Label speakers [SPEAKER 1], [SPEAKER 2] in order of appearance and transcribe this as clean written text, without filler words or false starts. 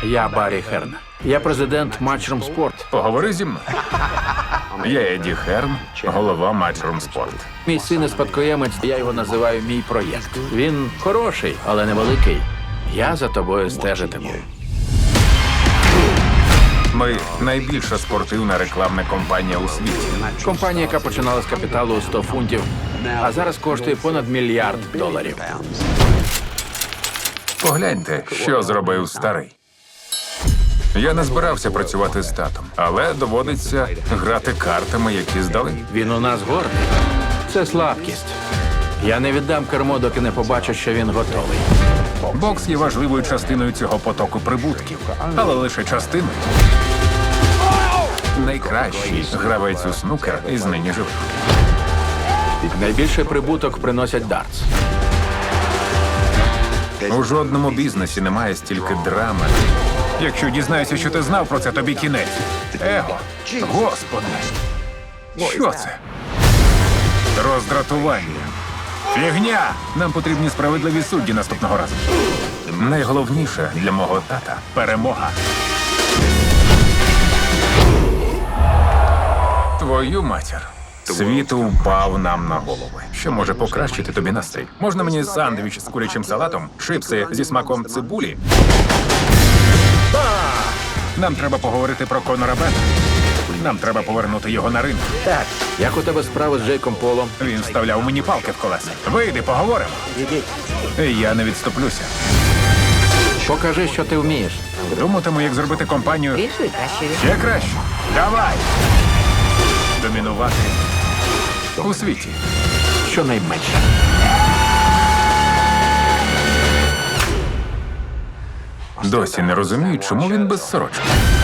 [SPEAKER 1] Я Баррі Херн. Я президент Matchroom Sport.
[SPEAKER 2] Поговори зі мною. Я Еді Херн, голова Matchroom Sport.
[SPEAKER 1] Мій син і спадкоємець, я його називаю мій проєкт. Він хороший, але невеликий. Я за тобою стежитиму.
[SPEAKER 2] Ми найбільша спортивна рекламна компанія у світі.
[SPEAKER 1] Компанія, яка починала з капіталу у 100 фунтів, а зараз коштує понад $1 мільярд.
[SPEAKER 2] Погляньте, що зробив старий. Я не збирався працювати з татом, але доводиться грати картами, які здали.
[SPEAKER 1] Він у нас гордий. Це слабкість. Я не віддам кермо, доки не побачу, що він готовий.
[SPEAKER 2] Бокс є важливою частиною цього потоку прибутків, але лише частиною. Найкращий гравець у снукер із нині живих.
[SPEAKER 1] Найбільший прибуток приносять дартс.
[SPEAKER 2] У жодному бізнесі немає стільки драми. Якщо дізнаюся, що ти знав про це, тобі кінець. Его. Господи. Що це? Роздратування. Фігня! Нам потрібні справедливі судді наступного разу. Найголовніше для мого тата – перемога. Твою матір. Світ упав нам на голови. Що може покращити тобі настрій? Можна мені сандвіч з курячим салатом, чипси зі смаком цибулі? Нам треба поговорити про Конора Бена. Нам треба повернути його на ринг.
[SPEAKER 1] Так. Як у тебе справи з Джейком Полом?
[SPEAKER 2] Він вставляв мені палки в колеса. Вийди, поговоримо. Я не відступлюся.
[SPEAKER 1] Покажи, що ти вмієш.
[SPEAKER 2] Думатиму, як зробити компанію
[SPEAKER 3] Більшою, кращою.
[SPEAKER 2] ще краще. Давай! Домінувати у світі.
[SPEAKER 1] Щонайменше.
[SPEAKER 2] Досі не розумію, чому він без сорочки.